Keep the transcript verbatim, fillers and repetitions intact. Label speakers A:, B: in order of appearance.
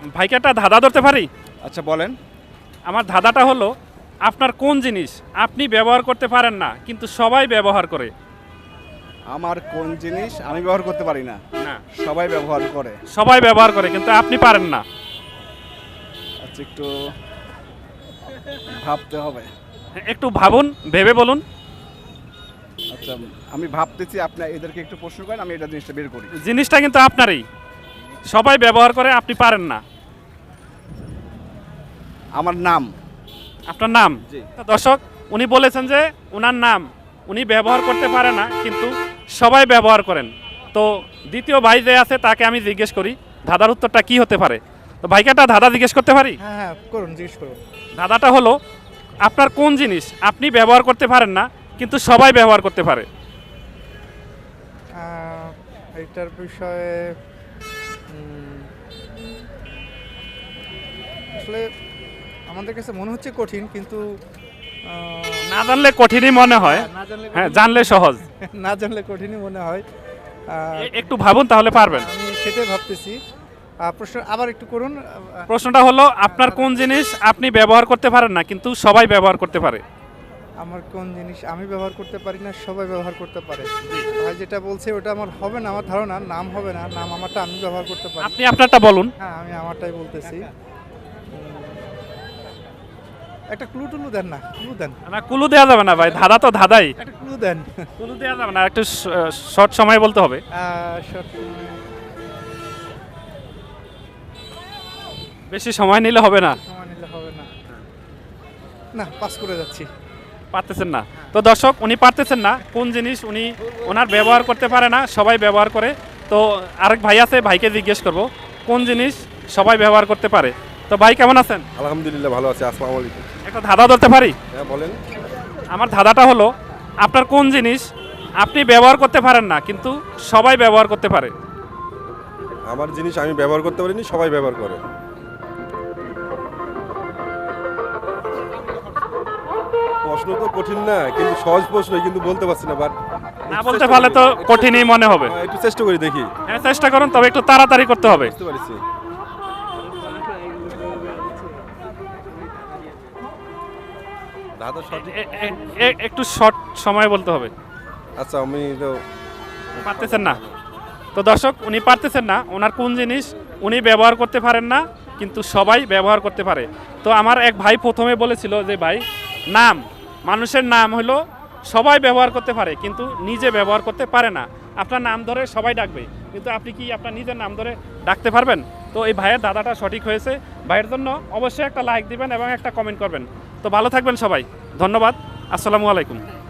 A: ভাইকে একটা ধাঁধা ধরতে পারি?
B: আচ্ছা বলেন।
A: আমার ধাঁধাটা হলো, আপনার কোন জিনিস আপনি ব্যবহার করতে পারেন না কিন্তু সবাই ব্যবহার করে?
B: আমার কোন জিনিস আমি ব্যবহার করতে পারি না,
A: না,
B: সবাই ব্যবহার করে?
A: সবাই ব্যবহার করে কিন্তু আপনি পারেন না।
B: আচ্ছা একটু ভাবতে হবে।
A: একটু ভাবুন, ভেবে বলুন।
B: আচ্ছা আমি ভাবতেছি, আপনি এদেরকে একটু প্রশ্ন করেন, আমি এটা জিনিসটা বের করি।
A: জিনিসটা কিন্তু আপনারই, সবাই ব্যবহার করে, আপনি পারেন না।
B: আমার নাম।
A: আপনার নাম?
B: জি।
A: তো দর্শক, উনি বলেছেন যে ওনার নাম উনি ব্যবহার করতে পারে না কিন্তু সবাই ব্যবহার করেন। তো দ্বিতীয় ভাই যে আছে তাকে আমি জিজ্ঞেস করি ধাঁধার উত্তরটা কি হতে পারে। তো ভাইকে একটা ধাঁধা জিজ্ঞেস করতে পারি?
C: হ্যাঁ হ্যাঁ করুন, জিজ্ঞেস করুন।
A: ধাঁধাটা হলো, আপনার কোন জিনিস আপনি ব্যবহার করতে পারেন না কিন্তু সবাই ব্যবহার করতে পারে?
C: আহ, এইটার বিষয়ে উম, আসলে আমাদের কাছে মনে হচ্ছে কঠিন, কিন্তু আহ,
A: না জানলে কঠিনই মনে হয়,
C: না জানলে
A: হ্যাঁ
C: কঠিন-
A: জানলে সহজ।
C: না জানলে কঠিনই মনে হয়। আহ,
A: এ- একটু ভাবুন তাহলে পারবেন।
C: আমি সেটাই ভাবতেছি। আহ, প্রশ্ন আবার একটু করুন। আহ,
A: প্রশ্নটা হলো, আপনার কোন জিনিস আপনি ব্যবহার করতে পারেন না কিন্তু সবাই ব্যবহার করতে পারে?
C: আমার কোন জিনিস আমি ব্যবহার করতে পারি না, সবাই ব্যবহার করতে পারে? ভাই যেটা বলছে ওটা আমার হবে না, আমার ধারণা নাম হবে না। নাম আমারটা আমি ব্যবহার করতে পারি।
A: আপনি আপনারটা বলুন।
C: হ্যাঁ আমি আমারটাই বলতেছি। উম, একটা ক্লু টুলু দেন না, ক্লু দেন,
A: না, কুলু দেওয়া যাবে না ভাই, ধাঁধা তো ধাঁধাই।
C: একটা ক্লু দেন।
A: কুলু দেওয়া যাবে না, একটু শর্ট সময় বলতে হবে।
C: আহ, short-
A: বেশি সময় নিলে হবে না।
C: সময় নিলে হবে না। না, পাস করে যাচ্ছি।
A: পারতেছেন না। তো দর্শক, উনি পারতেছেন না কোন জিনিস উনি ওনার ব্যবহার করতে পারে না, সবাই ব্যবহার করে। তো আরেক ভাই আছে, ভাইকে জিজ্ঞেস করব কোন জিনিস সবাই ব্যবহার করতে পারে। তো ভাই কেমন আছেন?
D: আলহামদুলিল্লাহ ভালো আছে। আসসালামু আলাইকুম।
A: একটা ধাঁধা ধরতে পারি?
D: হ্যাঁ বলেন।
A: আমার ধাঁধাটা হলো, আপনার কোন জিনিস আপনি ব্যবহার করতে পারেন না কিন্তু সবাই ব্যবহার করতে পারে?
D: আমার জিনিস আমি ব্যবহার করতে পারিনি, সবাই ব্যবহার করে। প্রশ্ন তো কঠিন না, কিন্তু সহজ প্রশ্ন, কিন্তু বলতে পারছি না। বাট
A: না বলতে পারলে তো কঠিনই মনে হবে।
D: একটু চেষ্টা করি, দেখি।
A: হ্যাঁ চেষ্টা করুন, তবে একটু তাড়াতাড়ি করতে হবে।
D: বুঝতে পারছি। দাদা সঠিক।
A: এ- এ- এ- একটু শর্ট সময় বলতে হবে।
D: আচ্ছা আমি তো
A: পারতেছেন না। তো দর্শক, উনি পারতেছেন না ওনার কোন জিনিস উনি ব্যবহার করতে পারেন না কিন্তু সবাই ব্যবহার করতে পারে। তো আমার এক ভাই প্রথমে বলেছিল যে ভাই, নাম, মানুষের নাম হলো সবাই ব্যবহার করতে পারে কিন্তু নিজে ব্যবহার করতে পারে না। আপনার নাম ধরে সবাই ডাকবে কিন্তু আপনি কি আপনার নিজের নাম ধরে ডাকতে পারবেন? তো এই ভাইয়ের দাদাটা সঠিক হয়েছে। ভাইয়ের জন্য অবশ্যই একটা লাইক দিবেন এবং একটা কমেন্ট করবেন। তো ভালো থাকবেন সবাই, ধন্যবাদ, আসসালামু আলাইকুম।